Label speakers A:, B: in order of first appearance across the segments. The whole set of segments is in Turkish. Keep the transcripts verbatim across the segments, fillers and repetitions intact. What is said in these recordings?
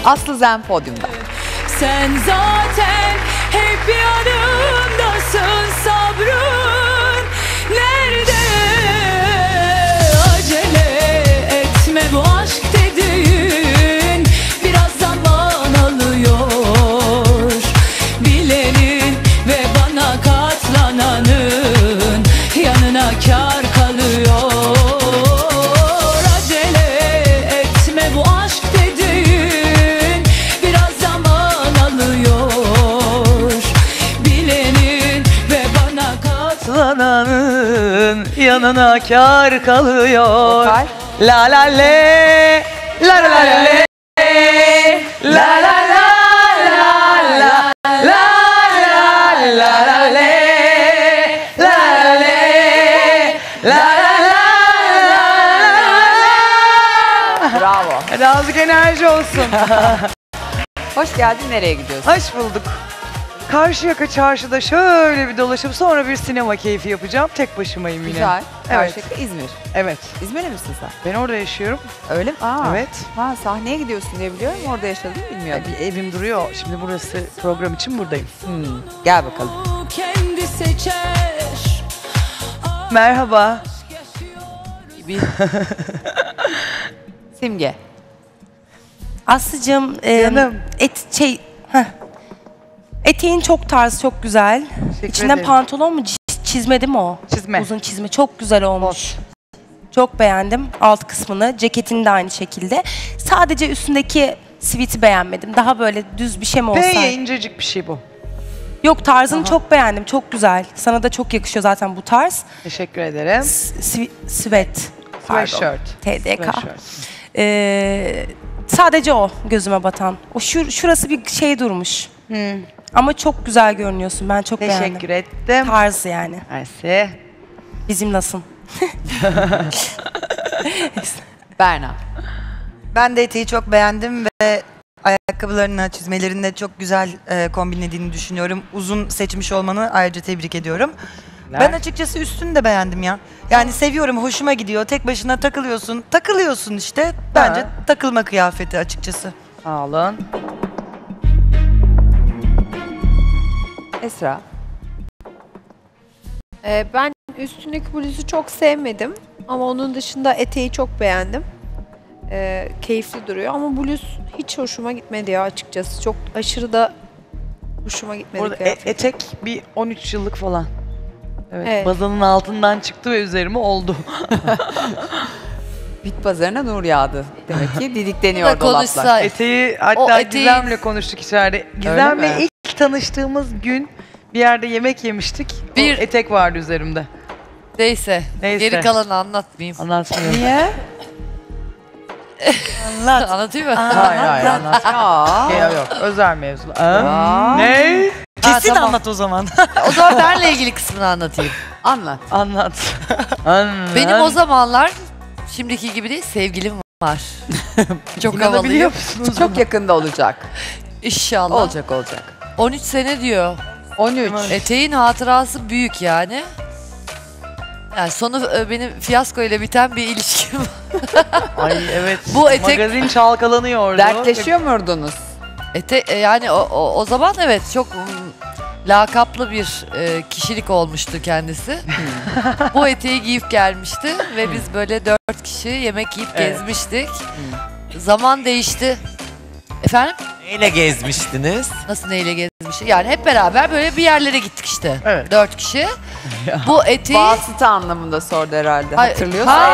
A: Aslı Zen podyumda.
B: Sen zaten hep yanımdasın, sabrın nerede? Acele etme, bu aşk dediğin biraz zaman alıyor. Bilenin ve bana katlananın yanına kar kalıyor. Acele etme, bu aşk dediğin biraz zaman alıyor. Bilenin ve bana
C: Katlananın yanına kar kalıyor.
A: Vokal.
C: La la le, la la la le, la la la la la la la la la le, la la le, la la la la.
A: Bravo.
C: Hadi azıcık enerji olsun.
A: Hoş geldin. Nereye gidiyorsun?
C: Hoş bulduk. Karşıyaka çarşıda şöyle bir dolaşıp sonra bir sinema keyfi yapacağım. Tek başımayım yine.
A: Güzel.
C: Evet.
A: Karşıyaka, İzmir.
C: Evet.
A: İzmir'e misin sen?
C: Ben orada yaşıyorum.
A: Öyle mi? Aa.
C: Evet.
A: Ha, sahneye gidiyorsun diye biliyorum. Orada yaşadığını bilmiyordum.
C: Bir evim duruyor. Şimdi burası program için buradayım.
A: Hmm. Gel bakalım.
B: kendi seçer.
C: Merhaba.
A: Simge.
D: Aslıcığım, e,
C: Canım.
D: et şey, heh. Eteğin çok tarz, çok güzel.
C: Teşekkür
D: İçinden
C: ederim.
D: pantolon mu, c- çizme değil mi o?
C: Çizme.
D: Uzun çizme, çok güzel olmuş. Çok beğendim alt kısmını, ceketini de aynı şekilde. Sadece üstündeki siviti beğenmedim. Daha böyle düz bir şey mi olsaydı?
C: P'ye incecik bir şey bu.
D: Yok, tarzını çok beğendim, çok güzel. Sana da çok yakışıyor zaten bu tarz.
C: Teşekkür ederim.
D: S- svi- Sweat. pardon.
C: Sweatshirt.
D: T D K.
C: Sweatshirt.
D: Ee, sadece o gözüme batan. O şur şurası bir şey durmuş. Ama çok güzel görünüyorsun. Ben çok beğendim.
C: Teşekkür ettim.
D: Tarz yani.
C: Mersi.
D: Bizim nasıl?
A: Berna.
E: Ben de eteği çok beğendim ve ayakkabılarını, çizmelerini de çok güzel e, kombinlediğini düşünüyorum. Uzun seçmiş olmanı ayrıca tebrik ediyorum. Ben açıkçası üstünü de beğendim ya. Yani seviyorum, hoşuma gidiyor. Tek başına takılıyorsun. Takılıyorsun işte. Bence
C: Ha.
E: takılma kıyafeti açıkçası.
C: Sağ olun.
A: Esra.
F: Ee, ben üstündeki bluzu çok sevmedim ama onun dışında eteği çok beğendim. Ee, keyifli duruyor ama bluz hiç hoşuma gitmedi ya açıkçası. Çok aşırı da hoşuma gitmedi.
C: Burada e-
F: kıyafet.
C: etek bir on üç yıllık falan. Evet,
F: Evet.
C: bazanın altından çıktı ve üzerime oldu.
A: Bit pazarına nur yağdı. Demek ki didikleniyor dolaplar.
G: konuşsa.
C: Eteği hatta
G: O eteği-
C: Gizem'le konuştuk içeride. Gizem'le
A: mi?
C: ilk tanıştığımız gün bir yerde yemek yemiştik.
G: Bir-
C: O etek vardı üzerimde.
G: Neyse.
C: Neyse.
G: Geri kalanı anlatmayayım.
C: Anlatmıyorum.
A: Niye?
D: Anlat.
G: Anlatayım mı?
C: Hayır hayır anlatmıyorum.
A: Aa.
C: Yok yok özel mevzular.
A: Aa.
C: Ne?
E: Kesin
G: tamam.
E: anlat o zaman.
G: O zaman benle ilgili kısmını anlatayım.
A: Anlat.
C: Anlat. Anlat.
G: Benim o zamanlar şimdiki gibi değil, sevgilim var. Çok
C: İnanabiliyor
G: havalıyım.
C: musunuz?
A: Çok yakında olacak.
G: İnşallah.
A: Olacak olacak.
G: on üç sene diyor.
A: on üç.
G: Eteğin hatırası büyük yani. Yani sonu e, benim fiyasko ile biten bir ilişkim var.
C: Ay evet.
G: Bu etek-
C: Magazin çalkalanıyordu.
A: Dertleşiyor muydunuz?
G: Ete, e, yani o, o, o zaman evet çok mm, lakaplı bir e, kişilik olmuştu kendisi. Bu eteği giyip gelmişti ve biz böyle dört kişi yemek yiyip
C: Evet.
G: gezmiştik. Zaman değişti. Efendim?
H: Neyle gezmiştiniz?
G: Nasıl neyle gezmiştik? Yani hep beraber böyle bir yerlere gittik işte.
C: Evet.
G: Dört kişi. Bu eteği...
A: Vasıta anlamında sordu herhalde.
G: Hay-
A: Hatırlıyorsun
G: Ha,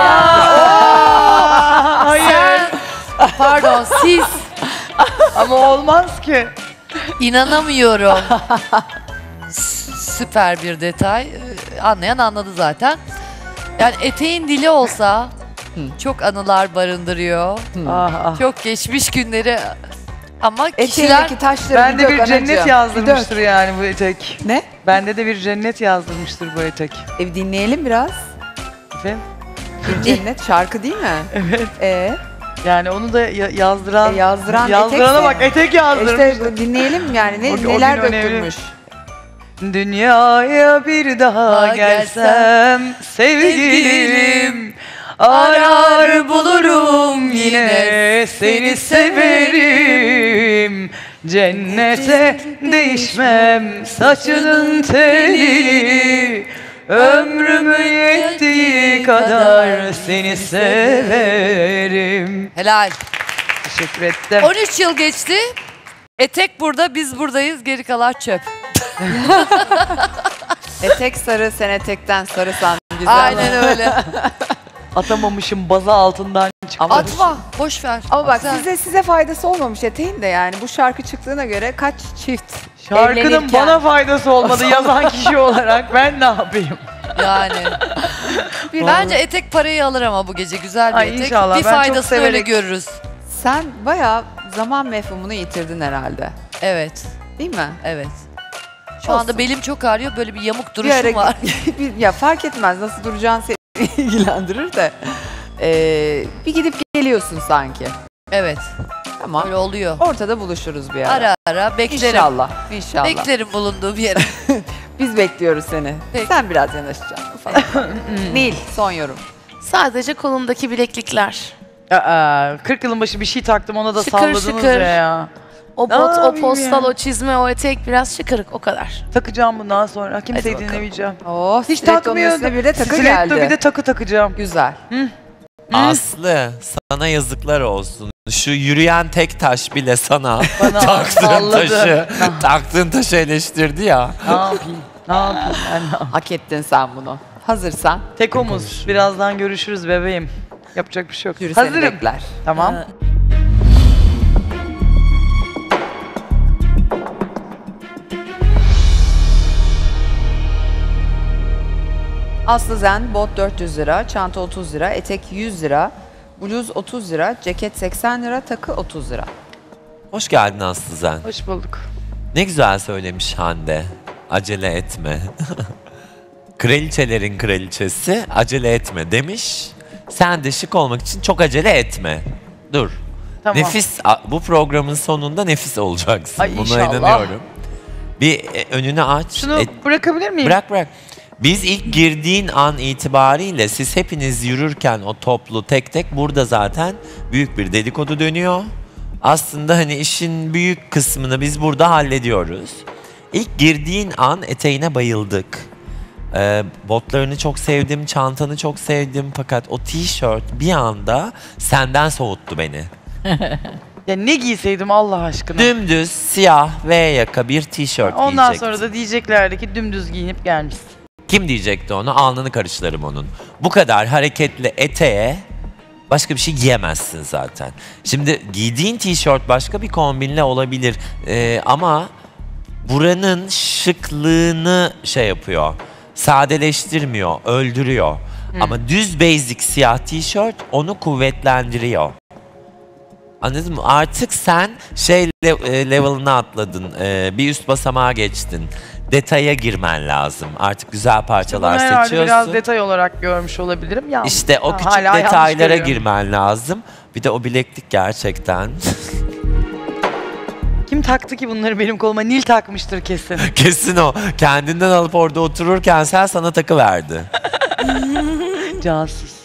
A: eğer.
C: Hayır.
G: Sen, pardon siz,
C: Ama olmaz ki.
G: inanamıyorum. S- Süper bir detay. Ee, Anlayan anladı zaten. Yani eteğin dili olsa çok anılar barındırıyor.
C: Ah ah.
G: Çok geçmiş günleri ama kişiler...
A: Eteğindeki taşları
C: Bende
A: dök
C: bir cennet
A: anacığım.
C: yazdırmıştır
A: Bir
C: yani bu etek.
A: dök. Ne?
C: Bende de bir cennet yazdırmıştır bu etek.
A: E, dinleyelim biraz.
C: Efendim?
A: Bir cennet şarkı değil mi?
C: Evet.
A: Ee,
C: Yani onu da ya- yazdıran,
A: E, yazdıran
C: yazdırana
A: etekse-
C: bak etek yazdırmış.
A: işte bu dinleyelim yani ne,
C: O- o gün
A: neler
C: önemli.
A: dökülmüş.
C: Dünyaya bir daha
G: Daha
C: gelsem sevgilim, arar bulurum yine seni severim. Cennete değişmem saçının telini. Ömrümün yettiği kadar seni severim.
G: Helal.
C: Teşekkür ettim.
G: on üç yıl geçti. Etek burada, biz buradayız. Geri kalan çöp.
A: Etek sarı, sen etekten sarısan güzel.
G: Aynen öyle.
C: Atamamışım baza altından çıktı.
A: Ama,
G: Atma, boş ver.
A: ama bak
G: Güzel.
A: size size faydası olmamış eteğin de yani. Bu şarkı çıktığına göre kaç çift
C: Şarkının
A: evlenirken-
C: bana faydası olmadı yazan kişi olarak ben ne yapayım?
G: Yani. Bence etek parayı alır ama bu gece güzel bir
C: Ay,
G: etek.
C: inşallah.
G: Bir
C: Ben çok
G: faydasını öyle
C: severek-
G: görürüz.
A: Sen bayağı zaman mefhumunu yitirdin herhalde.
G: Evet,
A: Değil mi?
G: evet. Şu
A: Olsun.
G: anda belim çok ağrıyor. Böyle bir yamuk
A: Bir
G: duruşum
A: ara-
G: var.
A: Bir- ya fark etmez nasıl duracağın seni ilgilendirir de. Ee, bir gidip geliyorsun sanki.
G: Evet,
A: Tamam.
G: öyle oluyor.
A: Ortada buluşuruz bir ara.
G: Ara ara beklerim.
A: İnşallah. İnşallah.
G: Beklerim bulunduğum yere.
A: Biz bekliyoruz seni.
G: Peki.
A: Sen biraz yanaşacaksın falan. Nil son yorum.
I: Sadece kolumdaki bileklikler.
C: Aa, kırk yılın başı bir şey taktım ona da
I: Şıkır
C: salladınız
I: şıkır.
C: ya.
I: O
C: Ne
I: bot, o
C: yapayım
I: postal,
C: ya?
I: o çizme, o etek biraz şıkırık o kadar.
C: Takacağım bundan sonra. Kimseyi
I: bakalım.
C: dinlemeyeceğim.
A: Oh,
C: Hiç
A: stiletto'nun
C: takmıyordum.
A: üstüne bir de takı
C: Stiletto
A: geldi.
C: bir de takı takacağım.
A: Güzel.
H: Aslı sana yazıklar olsun. Şu yürüyen tek taş bile sana
C: Bana
H: taktığın
C: salladı.
H: taşı, taktığın taşı eleştirdi ya.
C: Ne yapayım? Ne yapayım ben ne yapayım?
A: Hak ettin sen bunu. Hazırsan
C: Tek omuz. Birazdan görüşürüz bebeğim. Yapacak bir şey yok.
A: jüri seni
C: Hazırım.
A: bekler.
C: Tamam.
A: Aslı Zen, bot dört yüz lira, çanta otuz lira, etek yüz lira, bluz otuz lira, ceket seksen lira, takı otuz lira.
H: Hoş geldin Aslı Zen.
C: Hoş bulduk.
H: Ne güzel söylemiş Hande. Acele etme. Kraliçelerin kraliçesi acele etme demiş. Sen de şık olmak için çok acele etme. Dur.
C: Tamam.
H: Nefis, a- bu programın sonunda nefis olacaksın.
C: Ay,
H: Buna
C: inşallah.
H: inanıyorum. Bir e, önünü aç.
C: Şunu
H: E,
C: bırakabilir miyim?
H: bırak bırak. Biz ilk girdiğin an itibariyle siz hepiniz yürürken o toplu tek tek burada zaten büyük bir dedikodu dönüyor. Aslında hani işin büyük kısmını biz burada hallediyoruz. İlk girdiğin an eteğine bayıldık. Ee, botlarını çok sevdim, çantanı çok sevdim fakat o tişört bir anda senden soğuttu beni.
C: Ya ne giyseydim Allah aşkına.
H: Dümdüz siyah V yaka bir tişört
C: Ondan
H: giyecektin.
C: sonra da diyeceklerdi ki dümdüz giyinip gelmişsin.
H: Kim diyecekti onu? Alnını karıştırırım onun. Bu kadar hareketli eteğe başka bir şey giyemezsin zaten. Şimdi giydiğin tişört başka bir kombinle olabilir Ee, ama buranın şıklığını şey yapıyor. Sadeleştirmiyor, öldürüyor. Ama düz basic siyah tişört onu kuvvetlendiriyor. Anladın mı? Artık sen şey le- e, level'ına atladın. Ee, bir üst basamağa geçtin. Detaya girmen lazım. Artık güzel
C: Bunu
H: parçalar
C: herhalde
H: seçiyorsun.
C: biraz detay olarak görmüş olabilirim. Yanlış.
H: İşte o
C: Ha,
H: küçük
C: hala yanlış
H: detaylara
C: görüyorum.
H: girmen lazım. Bir de o bileklik gerçekten.
C: Kim taktı ki bunları benim koluma? Nil takmıştır kesin.
H: Kesin o. Kendinden alıp orada otururken sen sana takı verdi.
C: Cansız.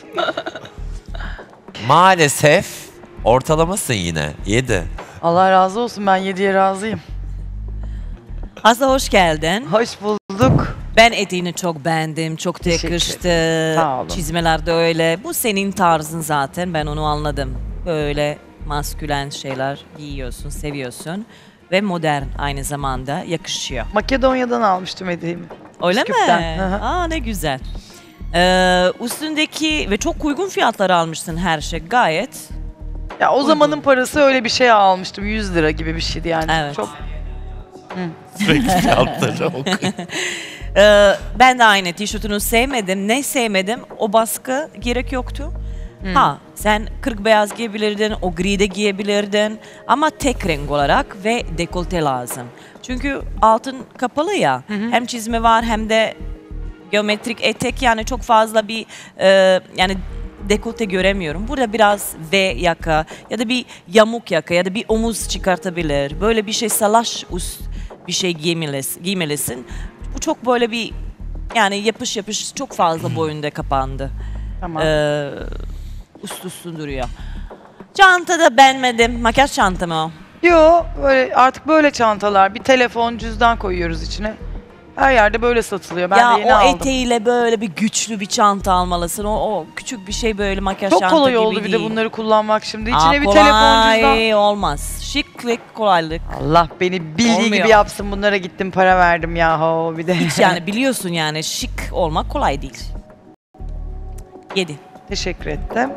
H: Maalesef ortalamasın yine. Yedi.
C: Allah razı olsun, ben yediye razıyım.
J: Aslı hoş geldin.
C: Hoş bulduk.
J: Ben eteğini çok beğendim. Çok da
C: Teşekkür
J: yakıştı.
C: Sağ olun.
J: Çizmeler de öyle. Bu senin tarzın zaten. Ben onu anladım. Böyle maskülen şeyler giyiyorsun, seviyorsun. Ve modern aynı zamanda yakışıyor.
C: Makedonya'dan almıştım hediyemi.
J: Öyle
C: Üsküp'ten.
J: mi?
C: Hı hı.
J: Aa ne güzel. Ee, üstündeki ve çok uygun fiyatlara almışsın her şey gayet.
C: Ya o
J: Uygun.
C: zamanın parası öyle bir şey almıştım. yüz lira gibi bir şeydi yani.
J: Evet.
C: Çok
H: Sürekli fiyatları okuyor.
J: Ee, ben de aynı tişörtünü sevmedim. Ne sevmedim? O baskı gerek yoktu. Ha sen kırk beyaz giyebilirdin, o gri de giyebilirdin ama tek renk olarak ve dekolte lazım. Çünkü altın kapalı ya, hem çizme var hem de geometrik etek, yani çok fazla bir e, yani dekolte göremiyorum. Burada biraz V yaka ya da bir yamuk yaka ya da bir omuz çıkartabilir. Böyle bir şey, salaş üst bir şey giymelisin. giymelisin. Bu çok böyle bir yani yapış yapış çok fazla boyunda kapandı.
C: tamam.
J: Ee, üst üstün duruyor. Çanta da beğenmedim. Makyaj çanta mı o?
C: Yo, böyle artık böyle çantalar. Bir telefon, cüzdan koyuyoruz içine. Her yerde böyle satılıyor. Ben
J: ya
C: de yeni
J: o
C: aldım.
J: eteğiyle böyle bir güçlü bir çanta almalısın. O, o küçük bir şey böyle makyaj
C: Çok
J: çanta
C: kolay
J: gibi
C: oldu bir
J: değil.
C: de bunları kullanmak şimdi.
J: Aa,
C: İçine bir
J: kolay
C: telefon, cüzdan.
J: olmaz. Şıklık, kolaylık.
C: Allah beni bildiği
J: Olmuyor.
C: gibi yapsın. Bunlara gittim para verdim yahu bir de.
J: Hiç yani biliyorsun yani şık olmak kolay değil. Yedi.
C: Teşekkür ettim.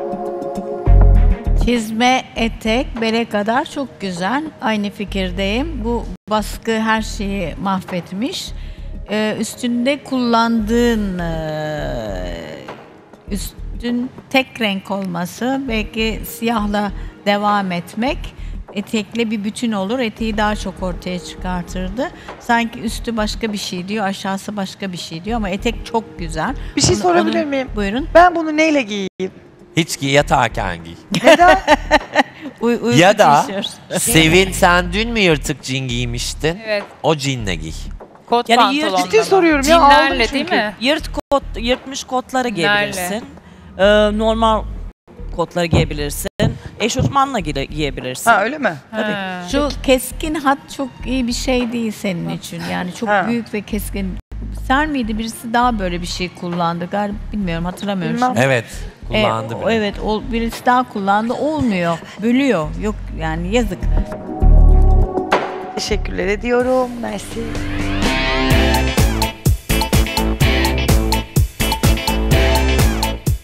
K: Çizme, etek, bere kadar çok güzel. Aynı fikirdeyim. Bu baskı her şeyi mahvetmiş. Ee, üstünde kullandığın e, üstün tek renk olması, belki siyahla devam etmek etekle bir bütün olur. Eteği daha çok ortaya çıkartırdı. Sanki üstü başka bir şey diyor, aşağısı başka bir şey diyor ama etek çok güzel.
C: Bir şey
K: Onu-
C: sorabilir
K: onu-
C: miyim?
K: Buyurun.
C: Ben bunu neyle giyeyim?
H: Hiç giy, yatarken giy.
C: Neden?
K: Uy- uyku
H: Ya da
K: tişört.
H: Sevin, sen dün mü yırtık cin giymiştin?
L: Evet.
H: O cinle giy.
L: Kot
J: Yani yırt-
L: pantolonla
C: Ciddi
L: mı?
C: soruyorum ya, aldım
L: Cinlerle
C: çünkü.
L: değil mi?
J: Yırt kot, yırtmış kotları
L: Cinlerle.
J: giyebilirsin. Ee, normal kotları giyebilirsin. Eşofmanla giye- giyebilirsin.
C: Ha öyle mi?
L: Ha.
K: Şu keskin hat çok iyi bir şey değil senin için. Yani çok
C: Ha.
K: büyük ve keskin. Ser miydi birisi daha böyle bir şey kullandı galiba, bilmiyorum, hatırlamıyorum.
C: Bilmem.
K: şimdi.
H: Evet, kullandı
K: E, o-
H: bile.
K: evet, o birisi daha kullandı, olmuyor. Bölüyor. Yok yani, yazık.
C: Teşekkürler ediyorum. Mersi.